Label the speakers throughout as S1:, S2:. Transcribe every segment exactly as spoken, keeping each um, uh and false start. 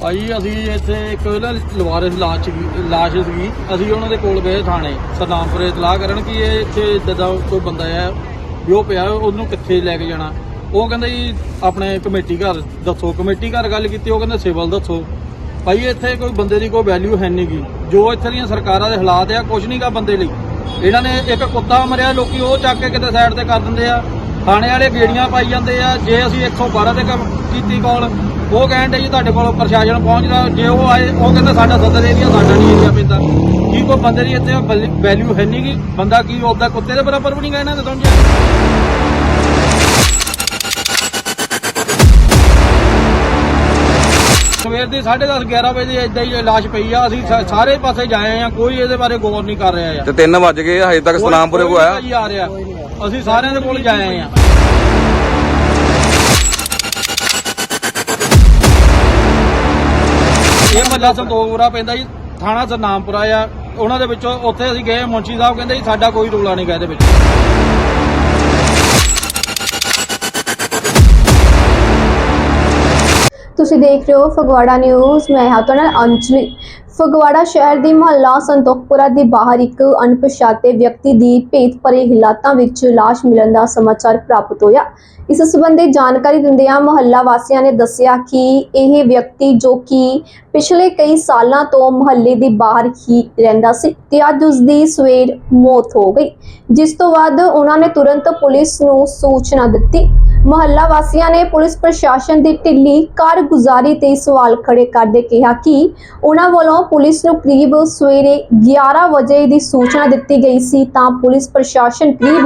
S1: ਭਾਈ ਅਸੀਂ ਇੱਥੇ ਇੱਕ ਨਾ ਲਵਾਰਿਸ ਲਾਸ਼ ਸੀਗੀ ਲਾਸ਼ ਸੀਗੀ ਅਸੀਂ ਉਹਨਾਂ ਦੇ ਕੋਲ ਗਏ ਥਾਣੇ ਸਦਾਮਪੁਰੇ ਇਤਲਾਹ ਕਰਨ ਕਿ ਇਹ ਇੱਥੇ ਇੱਦਾਂ ਦਾ ਕੋਈ ਬੰਦਾ ਹੈ ਵੀ ਉਹ ਪਿਆ ਉਹਨੂੰ ਕਿੱਥੇ ਲੈ ਕੇ ਜਾਣਾ। ਉਹ ਕਹਿੰਦਾ ਜੀ ਆਪਣੇ ਕਮੇਟੀ ਘਰ ਦੱਸੋ। ਕਮੇਟੀ ਘਰ ਗੱਲ ਕੀਤੀ, ਉਹ ਕਹਿੰਦੇ ਸਿਵਲ ਦੱਸੋ। ਭਾਈ ਇੱਥੇ ਕੋਈ ਬੰਦੇ ਦੀ ਕੋਈ ਵੈਲਿਊ ਹੈ ਨਹੀਂ ਗੀ। ਜੋ ਇੱਥੇ ਦੀਆਂ ਸਰਕਾਰਾਂ ਦੇ ਹਾਲਾਤ ਆ ਕੁਝ ਨਹੀਂ ਗਾ ਬੰਦੇ ਲਈ। ਇਹਨਾਂ ਨੇ ਇੱਕ ਕੁੱਤਾ ਮਰਿਆ, ਲੋਕੀ ਉਹ ਚੱਕ ਕੇ ਕਿਤੇ ਸਾਈਡ ਤੇ ਕਰ ਦਿੰਦੇ ਆ। ਥਾਣੇ ਵਾਲੇ ਗੇੜੀਆਂ ਪਾਈ ਜਾਂਦੇ ਆ। ਜੇ ਅਸੀਂ ਇੱਕ ਸੌ ਬਾਰਾਂ ਤੇ ਕੀਤੀ ਕਾਲ, ਉਹ ਕਹਿਣ ਦੇ ਜੀ ਤੁਹਾਡੇ ਕੋਲ ਪ੍ਰਸ਼ਾਸਨ ਪਹੁੰਚਦਾ। ਜੇ ਉਹ ਆਏ ਉਹ ਕਹਿੰਦਾ ਸਾਡਾ ਸਦਰ ਏਰੀਆ ਸਾਡਾ ਨਹੀਂ ਏਰੀਆ ਪੈਂਦਾ। ਕੀ ਕੋਈ ਬੰਦੇ ਦੀ ਇੱਥੇ ਵੈਲਿਊ ਹੈ ਨਹੀਂ ਗੀ। ਬੰਦਾ ਕੀ ਉਹਦਾ ਕੁੱਤੇ ਦੇ ਬਰਾਬਰ ਵੀ ਨਹੀਂ ਗਾ ਇਹਨਾਂ ਦੇ ਸਮਝਿਆ। ਸਵੇਰ ਦੀ ਸਾਢੇ ਦਸ ਗਿਆਰਾਂ ਵਜੇ ਏਦਾਂ ਹੀ ਲਾਸ਼ ਪਈ ਆ। ਅਸੀਂ ਸਾਰੇ ਪਾਸੇ ਜਾਏ ਆ, ਕੋਈ ਇਹਦੇ ਬਾਰੇ ਗੌਰ ਨਹੀਂ ਕਰ ਰਿਹਾ।
S2: ਤੇ ਤਿੰਨ ਵੱਜ ਗਏ ਹਜੇ ਤੱਕ ਸਲਾਮਪੁਰੇ ਕੋ ਆਇਆ
S1: ਜੀ ਆ ਰਿਹਾ। ਅਸੀਂ ਸਾਰਿਆਂ ਦੇ ਕੋਲ ਜਾਏ ਆ। ਇਹ ਮਹੱਲਾ ਸੰਤੋਖਪੁਰਾ ਪੈਂਦਾ ਜੀ, ਥਾਣਾ ਸਤਨਾਮਪੁਰਾ ਆ। ਉਹਨਾਂ ਦੇ ਵਿੱਚੋਂ ਉੱਥੇ ਅਸੀਂ ਗਏ, ਮੁੰਸ਼ੀ ਸਾਹਿਬ ਕਹਿੰਦੇ ਜੀ ਸਾਡਾ ਕੋਈ ਰੌਲਾ ਨਹੀਂ ਗਾ ਇਹਦੇ ਵਿੱਚ।
S3: ਤੁਸੀਂ ਦੇਖ ਰਹੇ ਹੋ ਫਗਵਾੜਾ ਨਿਊਜ਼। ਮੈਂ ਹਾਂ ਤੁਹਾਡੇ ਨਾਲ ਅੰਜਲੀ। ਫਗਵਾੜਾ ਸ਼ਹਿਰ ਦੀ ਮੁਹੱਲਾ ਸੰਤੋਖਪੁਰਾ ਦੇ ਬਾਹਰ ਇੱਕ ਅਣਪਛਾਤੇ ਵਿਅਕਤੀ ਦੀ ਭੇਤ ਭਰੇ ਹਾਲਾਤਾਂ ਵਿੱਚ ਲਾਸ਼ ਮਿਲਣ ਦਾ ਸਮਾਚਾਰ ਪ੍ਰਾਪਤ ਹੋਇਆ। ਇਸ ਸੰਬੰਧੀ ਜਾਣਕਾਰੀ ਦਿੰਦਿਆਂ ਮੁਹੱਲਾ ਵਾਸੀਆਂ ਨੇ ਦੱਸਿਆ ਕਿ ਇਹ ਵਿਅਕਤੀ ਜੋ ਕਿ ਪਿਛਲੇ ਕਈ ਸਾਲਾਂ ਤੋਂ ਮੁਹੱਲੇ ਦੇ ਬਾਹਰ ਹੀ ਰਹਿੰਦਾ ਸੀ ਤੇ ਅੱਜ ਉਸ ਦੀ ਸਵੇਰ ਮੌਤ ਹੋ ਗਈ, ਜਿਸ ਤੋਂ ਬਾਅਦ ਉਹਨਾਂ ਨੇ ਤੁਰੰਤ ਪੁਲਿਸ ਨੂੰ ਸੂਚਨਾ ਦਿੱਤੀ। ਮੁਹੱਲਾ ਵਾਸੀਆਂ ਨੇ ਪੁਲਿਸ ਪ੍ਰਸ਼ਾਸਨ ਦੀ ਢਿੱਲੀ ਕਾਰਗੁਜ਼ਾਰੀ ਤੇ ਸਵਾਲ ਖੜੇ ਕਰਦੇ ਕਿਹਾ ਕਿ ਉਹਨਾਂ ਵੱਲੋਂ ਪੁਲਿਸ ਨੂੰ ਕਰੀਬ ਸਵੇਰੇ ਗਿਆਰਾਂ ਵਜੇ ਦੀ ਸੂਚਨਾ ਦਿੱਤੀ ਗਈ ਸੀ ਤਾਂ ਪੁਲਿਸ ਪ੍ਰਸ਼ਾਸਨ ਕਰੀਬ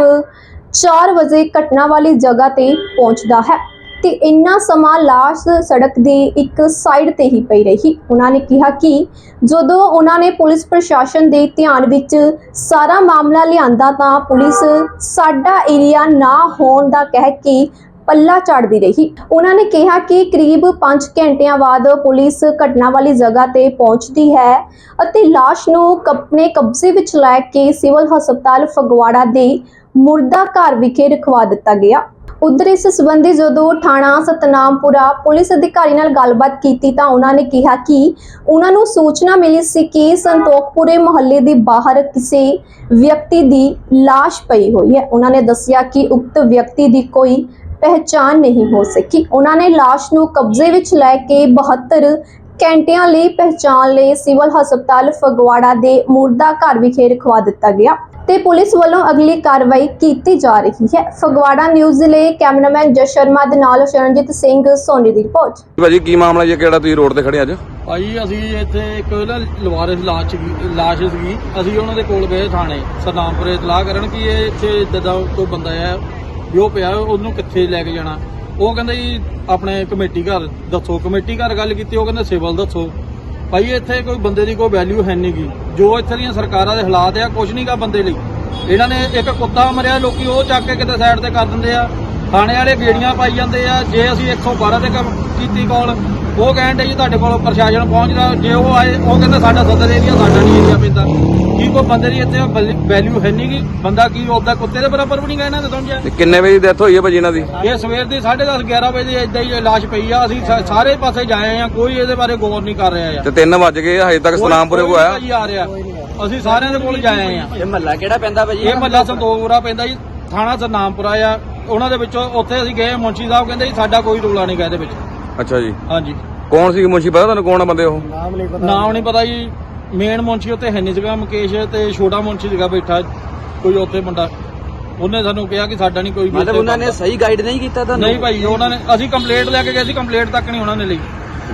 S3: ਚਾਰ ਵਜੇ ਘਟਨਾ ਵਾਲੀ ਜਗ੍ਹਾ ਤੇ ਪਹੁੰਚਦਾ ਹੈ ਤੇ ਇੰਨਾ ਸਮਾਂ ਲਾਸ਼ ਸੜਕ ਦੀ ਇੱਕ ਸਾਈਡ ਤੇ ਹੀ ਪਈ ਰਹੀ। ਉਹਨਾਂ ਨੇ ਕਿਹਾ ਕਿ ਜਦੋਂ ਉਹਨਾਂ ਨੇ ਪੁਲਿਸ ਪ੍ਰਸ਼ਾਸਨ ਦੇ ਧਿਆਨ ਵਿੱਚ ਸਾਰਾ ਮਾਮਲਾ ਲਿਆਂਦਾ ਤਾਂ ਪੁਲਿਸ ਸਾਡਾ ਏਰੀਆ ਨਾ ਹੋਣ ਦਾ ਕਹਿ ਕੇ ਪੱਲਾ ਝਾੜਦੀ ਰਹੀ। ਉਹਨਾਂ ਨੇ ਕਿਹਾ ਕਿ ਕਰੀਬ ਪੰਜ ਘੰਟਿਆਂ ਬਾਅਦ ਪੁਲਿਸ ਘਟਨਾ ਵਾਲੀ ਜਗ੍ਹਾ ਤੇ ਪਹੁੰਚਦੀ ਹੈ ਅਤੇ ਲਾਸ਼ ਨੂੰ ਆਪਣੇ ਕਬਜ਼ੇ ਵਿੱਚ ਲੈ ਕੇ ਸਿਵਲ ਹਸਪਤਾਲ ਫਗਵਾੜਾ ਦੇ ਮੁਰਦਾ ਘਰ ਵਿਖੇ ਰਖਵਾ ਦਿੱਤਾ ਗਿਆ। ਉਧਰ ਇਸ ਸੰਬੰਧੀ ਜਦੋਂ ਥਾਣਾ ਸਤਨਾਮਪੁਰਾ ਪੁਲਿਸ ਅਧਿਕਾਰੀ ਨਾਲ ਗੱਲਬਾਤ ਕੀਤੀ ਤਾਂ ਉਹਨਾਂ ਨੇ ਕਿਹਾ ਕਿ ਉਹਨਾਂ ਨੂੰ ਸੂਚਨਾ ਮਿਲੀ ਸੀ ਕਿ ਸੰਤੋਖਪੁਰੇ ਮੁਹੱਲੇ ਦੇ ਬਾਹਰ ਕਿਸੇ ਵਿਅਕਤੀ ਦੀ ਲਾਸ਼ ਪਈ ਹੋਈ ਹੈ। ਉਹਨਾਂ ਨੇ ਦੱਸਿਆ ਕਿ ਉਕਤ ਵਿਅਕਤੀ ਦੀ ਕੋਈ ਪਹਿਚਾਣ ਨਹੀਂ ਹੋ ਸਕੀ। ਉਹਨਾਂ ਨੇ ਲਾਸ਼ ਨੂੰ ਕਬਜ਼ੇ ਵਿੱਚ ਲੈ ਕੇ ਬਹੱਤਰ ਘੰਟਿਆਂ ਲਈ ਪਹਿਚਾਣ ਲਈ ਸਿਵਲ ਹਸਪਤਾਲ ਫਗਵਾੜਾ ਦੇ ਮੁਰਦਾ ਘਰ ਵਿਖੇ ਰਖਵਾ ਦਿੱਤਾ ਗਿਆ ਤੇ ਪੁਲਿਸ ਵੱਲੋਂ ਅਗਲੀ ਕਾਰਵਾਈ ਕੀਤੀ ਜਾ ਰਹੀ ਹੈ। ਫਗਵਾੜਾ ਨਿਊਜ਼ ਦੇ ਲਈ ਕੈਮਰਾਮੈਨ ਜਸ ਸ਼ਰਮਾ ਦੇ ਨਾਲ ਸ਼ਰਨਜੀਤ ਸਿੰਘ ਸੋਨੀ ਦੀ ਰਿਪੋਰਟ।
S2: ਭਾਜੀ ਕੀ ਮਾਮਲਾ ਜੀ, ਕਿਹੜਾ ਤੁਸੀਂ ਰੋਡ ਤੇ ਖੜੇ ਅੱਜ?
S1: ਭਾਈ ਅਸੀਂ ਇੱਥੇ ਇੱਕ ਨਾ ਲਵਾਰਿਸ ਲਾਸ਼ ਸੀਗੀ ਲਾਸ਼ ਸੀਗੀ ਅਸੀਂ ਉਹਨਾਂ ਦੇ ਕੋਲ ਗਏ ਥਾਣੇ ਸਦਾਮਪੁਰੇ ਇਤਲਾਹ ਕਰਨ ਕਿ ਇਹ ਇੱਥੇ ਇੱਦਾਂ ਦਾ ਕੋਈ ਬੰਦਾ ਹੈ ਵੀ ਉਹ ਪਿਆ ਉਹਨੂੰ ਕਿੱਥੇ ਲੈ ਕੇ ਜਾਣਾ। ਉਹ ਕਹਿੰਦਾ ਜੀ ਆਪਣੇ ਕਮੇਟੀ ਘਰ ਦੱਸੋ। ਕਮੇਟੀ ਘਰ ਗੱਲ ਕੀਤੀ, ਉਹ ਕਹਿੰਦੇ ਸਿਵਲ ਦੱਸੋ। ਭਾਈ ਇੱਥੇ ਕੋਈ ਬੰਦੇ ਦੀ ਕੋਈ ਵੈਲਿਊ ਹੈ ਨਹੀਂ ਗੀ। ਜੋ ਇੱਥੇ ਦੀਆਂ ਸਰਕਾਰਾਂ ਦੇ ਹਾਲਾਤ ਆ ਕੁਝ ਨਹੀਂ ਗਾ ਬੰਦੇ ਲਈ। ਇਹਨਾਂ ਨੇ ਇੱਕ ਕੁੱਤਾ ਮਰਿਆ, ਲੋਕੀ ਉਹ ਚੱਕ ਕੇ ਕਿਤੇ ਸਾਈਡ ਤੇ ਕਰ ਦਿੰਦੇ ਆ। ਥਾਣੇ ਵਾਲੇ ਗੇੜੀਆਂ ਪਾਈ ਜਾਂਦੇ ਆ। ਜੇ ਅਸੀਂ ਇੱਕ ਸੌ ਬਾਰਾਂ ਤੇ ਕੀਤੀ ਕਾਲ, ਉਹ ਕਹਿਣ ਦੇ ਜੀ ਤੁਹਾਡੇ ਕੋਲ ਪ੍ਰਸ਼ਾਸਨ ਪਹੁੰਚਦਾ। ਜੇ ਉਹ ਆਏ ਉਹ ਕਹਿੰਦਾ ਸਾਡਾ ਸਦਰ ਏਰੀਆ ਸਾਡਾ ਨਹੀਂ ਏਰੀਆ ਪੈਂਦਾ। ਕੀ ਕੋਈ ਬੰਦੇ ਦੀ ਇੱਥੇ ਵੈਲਿਊ ਹੈ ਨਹੀਂ ਗੀ। ਬੰਦਾ ਕੀ ਉਹਦਾ ਕੁੱਤੇ ਦੇ ਬਰਾਬਰ ਵੀ ਨਹੀਂ ਗਾ ਇਹਨਾਂ ਦੇ ਸਮਝਿਆ।
S2: ਕਿੰਨੇ ਵਜੇ ਡੈਥ ਹੋਈ ਹੈ ਭਾਜੀ ਇਹਨਾਂ ਦੀ?
S1: ਇਹ ਸਵੇਰ ਦੀ ਸਾਢੇ ਦਸ ਗਿਆਰਾਂ ਵਜੇ ਏਦਾਂ ਹੀ ਲਾਸ਼ ਪਈ ਆ। ਅਸੀਂ ਸਾਰੇ ਪਾਸੇ ਜਾਏ ਆ, ਕੋਈ ਇਹਦੇ ਬਾਰੇ ਗੌਰ ਨਹੀਂ ਕਰ ਰਿਹਾ।
S2: ਤੇ ਤਿੰਨ ਵੱਜ ਗਏ ਹਜੇ ਤੱਕ ਸਲਾਮਪੁਰੇ ਕੋ ਆਇਆ
S1: ਜੀ ਆ ਰਿਹਾ। ਅਸੀਂ ਸਾਰਿਆਂ ਦੇ ਕੋਲ ਜਾਏ ਆ।
S4: ਇਹ ਮਹੱਲਾ ਕਿਹੜਾ ਪੈਂਦਾ ਭਾਜੀ?
S1: ਇਹ ਮਹੱਲਾ ਸੰਤੋਖਪੁਰਾ ਪੈਂਦਾ ਜੀ, ਥਾਣਾ ਸਤਨਾਮਪੁਰਾ ਆ। ਉਹਨਾਂ ਦੇ ਵਿੱਚੋਂ ਉੱਥੇ ਅਸੀਂ ਗਏ, ਮੁੰਸ਼ੀ ਸਾਹਿਬ ਕਹਿੰਦੇ ਜੀ ਸਾਡਾ ਕੋਈ ਰੌਲਾ ਨਹੀਂ ਗਾ ਇਹਦੇ ਵਿੱਚ।
S2: ਅੱਛਾ ਜੀ।
S1: ਹਾਂਜੀ।
S2: ਕੌਣ ਸੀ ਮੁੰਸ਼ੀ, ਪਤਾ ਤੁਹਾਨੂੰ ਕੌਣ ਆ ਬੰਦੇ ਉਹ?
S1: ਨਾਮ ਨਹੀਂ ਪਤਾ ਜੀ। ਮੇਨ ਮੁੰਸ਼ੀ ਉੱਥੇ ਹੈ ਨਹੀਂ ਸੀਗਾ, ਮੁਕੇਸ਼, ਤੇ ਛੋਟਾ ਮੁੰਸ਼ੀ ਸੀਗਾ ਬੈਠਾ ਕੋਈ ਉੱਥੇ ਮੁੰਡਾ। ਉਹਨੇ ਸਾਨੂੰ ਕਿਹਾ ਕਿ ਸਾਡਾ ਨਹੀਂ ਕੋਈ ਵੀ।
S4: ਮਤਲਬ ਉਹਨਾਂ ਨੇ ਸਹੀ ਗਾਈਡ ਨਹੀਂ ਕੀਤਾ ਤੁਹਾਨੂੰ?
S1: ਨਹੀਂ ਭਾਈ, ਉਹਨਾਂ ਨੇ ਅਸੀਂ ਕੰਪਲੇਂਟ ਲੈ ਕੇ ਗਏ ਸੀ, ਕੰਪਲੇਂਟ ਤੱਕ ਨਹੀਂ ਉਹਨਾਂ ਨੇ ਲਈ।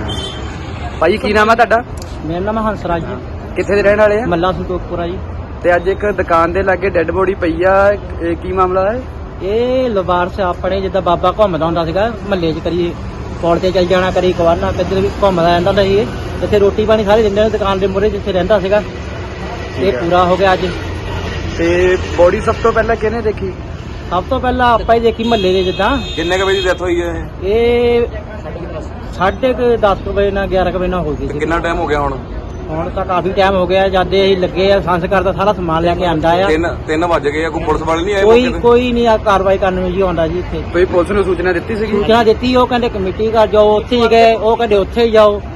S4: ਭਾਈ ਕੀ ਨਾਮ ਹੈ ਤੁਹਾਡਾ?
S5: ਮੇਰਾ ਨਾਮ ਹੰਸਰਾਜ ਜੀ,
S4: ਕਿੱਥੇ ਦੇ ਰਹਿਣ ਵਾਲੇ ਆ?
S5: ਮੱਲਾ ਸੰਤੋਖਪੁਰਾ ਜੀ।
S4: ਤੇ ਅੱਜ ਇੱਕ ਦੁਕਾਨ ਦੇ ਲਾਗੇ ਡੈੱਡ ਬੋਡੀ ਪਈ ਆ, ਇਹ ਕੀ ਮਾਮਲਾ ਹੈ?
S5: ਇਹ ਲਵਾਰਸ ਆਪਣੇ ਜਿੱਦਾਂ ਬਾਬਾ ਘੁੰਮਦਾ ਹੁੰਦਾ ਸੀਗਾ ਮਹੱਲੇ 'ਚ, ਕਰੀ ਪੌੜ ਤੇ ਚੱਲ ਜਾਣਾ, ਕਰੀ ਕਵਾਰਨਾ, ਕਿੱਧਰ ਵੀ ਘੁੰਮਦਾ ਰਹਿੰਦਾ ਹੁੰਦਾ ਸੀ। ਇੱਥੇ ਰੋਟੀ ਪਾਣੀ ਸਾਰੇ ਦਿੰਦੇ ਨੇ ਦੁਕਾਨ ਦੇ ਮੂਹਰੇ ਜਿੱਥੇ ਰਹਿੰਦਾ ਸੀਗਾ। ਇਹ ਪੂਰਾ ਹੋ ਗਿਆ ਅੱਜ।
S4: ਤੇ ਬੋਡੀ ਸਭ ਤੋਂ ਪਹਿਲਾਂ ਕਿਹਨੇ ਦੇਖੀ?
S5: ਸਭ ਤੋਂ ਪਹਿਲਾਂ ਆਪਾਂ ਹੀ ਦੇਖੀ ਮਹੱਲੇ ਦੇ। ਜਿੱਦਾਂ
S2: ਕਿੰਨੇ ਕ ਵਜੇ ਦੀ ਡੈਥ ਹੋਈ ਹੈ ਇਹ?
S5: ਇਹ ਸਾਢੇ ਕੁ ਦਸ ਕੁ ਵਜੇ ਨਾਲ ਗਿਆਰਾਂ ਕੁ ਵਜੇ ਨਾਲ ਹੋ ਗਈ ਸੀ।
S2: ਕਿੰਨਾ ਟਾਈਮ ਹੋ ਗਿਆ ਹੁਣ?
S5: ਹੁਣ ਤਾਂ ਕਾਫੀ ਟਾਈਮ ਹੋ ਗਿਆ। ਜਦ ਅਸੀਂ ਲੱਗੇ ਆ ਸੰਸਕਾਰ ਦਾ ਸਾਰਾ ਸਮਾਨ ਲੈ ਕੇ ਆਂਦਾ ਆ।
S2: ਤਿੰਨ ਤਿੰਨ ਵੱਜ ਗਏ ਆ, ਕੋਈ ਪੁਲਿਸ ਵਾਲੇ ਨਹੀਂ ਆਏ?
S5: ਕੋਈ ਕੋਈ ਨਹੀਂ ਆ ਕਾਰਵਾਈ ਕਰਨ ਨੂੰ ਜੀ ਆਉਂਦਾ ਜੀ ਇੱਥੇ।
S4: ਕੋਈ ਪੁਲਿਸ ਨੂੰ ਸੂਚਨਾ ਦਿੱਤੀ ਸੀਗੀ?
S5: ਸੂਚਨਾ ਦਿੱਤੀ, ਉਹ ਕਹਿੰਦੇ ਕਮੇਟੀ ਘਰ ਜਾਓ, ਉੱਥੇ ਹੀ ਗਏ। ਉਹ ਕਹਿੰਦੇ ਉੱਥੇ ਹੀ ਜਾਓ।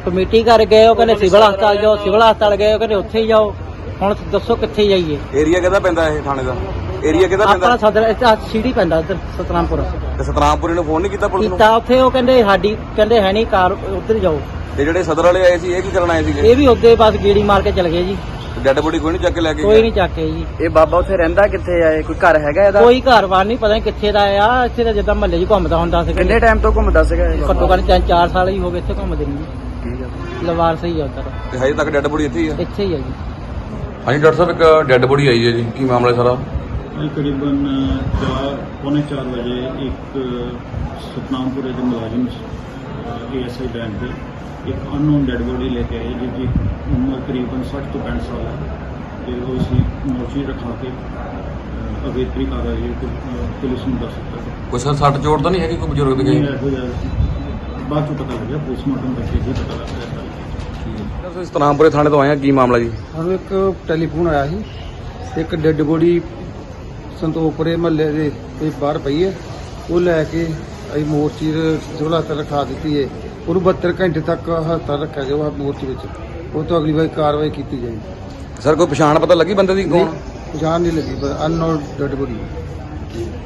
S5: ਕਮੇਟੀ ਕਰ ਗਏ ਉਹ ਕਹਿੰਦੇ ਸਿਵਲ ਹਸਪਤਾਲ ਜਾਓ, ਸਿਵਲ ਹਸਪਤਾਲ ਗਏ ਉਹ ਕਹਿੰਦੇ ਉੱਥੇ ਹੀ ਜਾਓ। ਹੁਣ ਦੱਸੋ ਕਿੱਥੇ ਜਾਈਏ?
S2: ਏਰੀਆ ਕਿਹਦਾ ਪੈਂਦਾ ਇਹ ਥਾਣੇ ਦਾ? ਏਰੀਆ ਕਿਹਦਾ
S5: ਆਪਣਾ
S2: ਪੈਂਦਾ?
S5: ਸਦਰ ਇੱਥੇ ਸੀੜੀ ਪੈਂਦਾ ਇੱਧਰ ਸਤਨਾਮਪੁਰ।
S2: ਤੇ ਸਤਨਾਮਪੁਰੀ ਨੂੰ ਫੋਨ ਨਹੀਂ ਕੀਤਾ ਪੁਲਿਸ ਨੂੰ?
S5: ਕੀਤਾ ਉੱਥੇ ਉਹ ਕਹਿੰਦੇ ਸਾਡੀ ਕਹਿੰਦੇ ਹੈ ਨਹੀਂ ਕਾਰ, ਉੱਧਰ ਜਾਓ।
S2: ਤੇ ਜਿਹੜੇ ਸਦਰ ਵਾਲੇ ਆਏ ਸੀ ਇਹ ਕੀ ਕਰਨ ਆਏ ਸੀਗੇ?
S5: ਇਹ ਵੀ ਉੱਦੇ ਬਸ ਗੇੜੀ ਮਾਰ ਕੇ ਚਲੇ ਗਏ ਜੀ,
S2: ਡੈਡ ਬੋਡੀ ਕੋਈ ਨਹੀਂ ਚੱਕ ਕੇ ਲੈ ਕੇ
S5: ਕੋਈ
S2: ਗਿਆ?
S5: ਨਹੀਂ ਚੱਕੇ ਜੀ।
S4: ਇਹ ਬਾਬਾ ਉੱਥੇ ਰਹਿੰਦਾ ਕਿੱਥੇ ਆ? ਇਹ ਕੋਈ ਘਰ ਹੈਗਾ ਇਹਦਾ?
S5: ਕੋਈ ਘਰ-ਬਾਰ ਨਹੀਂ, ਪਤਾ ਨਹੀਂ ਕਿੱਥੇ ਦਾ ਆ। ਇੱਥੇ ਤਾਂ ਜਿੱਦਾਂ ਮਹੱਲੇ 'ਚ ਘੁੰਮਦਾ ਹੁੰਦਾ ਸੀ।
S4: ਕਿੰਨੇ ਟਾਈਮ ਤੋਂ ਘੁੰਮਦਾ ਸੀਗਾ ਇਹ ਬਾਬਾ?
S5: ਘੱਟੋ ਘੱਟ ਤਿੰਨ ਚਾਰ ਸਾਲ ਹੀ ਹੋ ਗਏ ਇੱਥੇ ਘੁੰਮਦੇ ਨੂੰ।
S4: ਠੀਕ ਆ।
S5: ਲਵਾਰ ਸਹੀ ਆ ਉੱਧਰ,
S2: ਤੇ ਹਜੇ ਤੱਕ ਡੈਡ ਬੋਡੀ ਇੱਥੇ ਹੀ ਆ?
S5: ਇੱਥੇ ਹੀ ਆ ਜੀ।
S2: ਹਾਂਜੀ ਡਾਕਟਰ ਸਾਹਿਬ, ਇੱਕ ਡੈਡ ਬੋਡੀ ਆਈ ਹੈ ਜੀ, ਕੀ ਮਾਮਲਾ ਸਾਰਾ?
S6: ਅੱਜ ਕਰੀਬਨ ਚਾਰ ਪੌਣੇ ਚਾਰ ਵਜੇ ਇੱਕ ਸਤਨਾਮਪੁਰੇ ਦੇ ਮੁਲਾਜ਼ਮ ਏਐਸਆਈ ਬੈਂਕ ਦੇ ਇੱਕ ਅਨਨੋਨ ਡੈਡ ਬੋਡੀ ਲੈ ਕੇ ਆਏ ਜਿਹਦੀ ਉਮਰ ਕਰੀਬਨ ਸੱਠ ਤੋਂ ਪੈਂਹਠ ਸਾਲ ਹੈ ਤੇ ਉਹ ਅਸੀਂ ਮੋਰਚੀ ਰਖਾ ਕੇ ਅਹ, ਅਗੇਤਰੀ ਕਾਰਵਾਈ ਪੁ- ਪੁਲਿਸ ਨੂੰ ਦੱਸ ਦਿੱਤਾ ਹੈ।
S2: ਕੋਈ ਸਰ ਸੱਟ ਚੋਟ ਤਾਂ ਨਹੀਂ ਹੈਗੀ ਕੋਈ ਬਜ਼ੁਰਗ ਦੀ?
S6: ਨਹੀਂ ਇਹੋ ਜਿਹਾ ਬਾਅਦ ਚੋਂ ਪਤਾ ਲੱਗਿਆ, ਪੋਸਟਮਾਰਟਮ ਕਰਕੇ ਹੀ ਪਤਾ ਲੱਗਿਆ ਸਾਰੀ।
S2: ਤੁਸੀਂ ਸਤਨਾਮਪੁਰੇ ਥਾਣੇ ਤੋਂ ਆਏ ਆ, ਕੀ ਮਾਮਲਾ ਜੀ?
S7: ਸਾਨੂੰ ਇੱਕ ਟੈਲੀਫੋਨ ਆਇਆ ਸੀ, ਇੱਕ ਡੈੱਡ ਬੋਡੀ ਸੰਤੋਖਪੁਰੇ ਮਹੱਲੇ ਦੇ ਤੇ ਬਾਹਰ ਪਈ ਹੈ। ਉਹ ਲੈ ਕੇ ਅਸੀਂ ਮੋਰਚੀ ਸਿਵਲ ਹਸਪਤਾਲ ਰਖਾ ਦਿੱਤੀ ਹੈ। ਉਹਨੂੰ ਬਹੱਤਰ ਘੰਟੇ ਤੱਕ ਹਸਪਤਾਲ ਰੱਖਿਆ ਜਾਊਗਾ ਮੋਰਚੀ ਵਿੱਚ। ਉਹ ਤੋਂ ਅਗਲੀ ਵਾਰ ਕਾਰਵਾਈ ਕੀਤੀ ਜਾਏਗੀ।
S2: ਸਰ ਕੋਈ ਪਛਾਣ ਪਤਾ ਲੱਗੀ ਬੰਦੇ ਦੀ ਕੌਣ?
S7: ਪਛਾਣ ਨਹੀਂ ਲੱਗੀ, ਪਰ ਅਨਨੋਨ ਡੈੱਡ ਬੋਡੀ।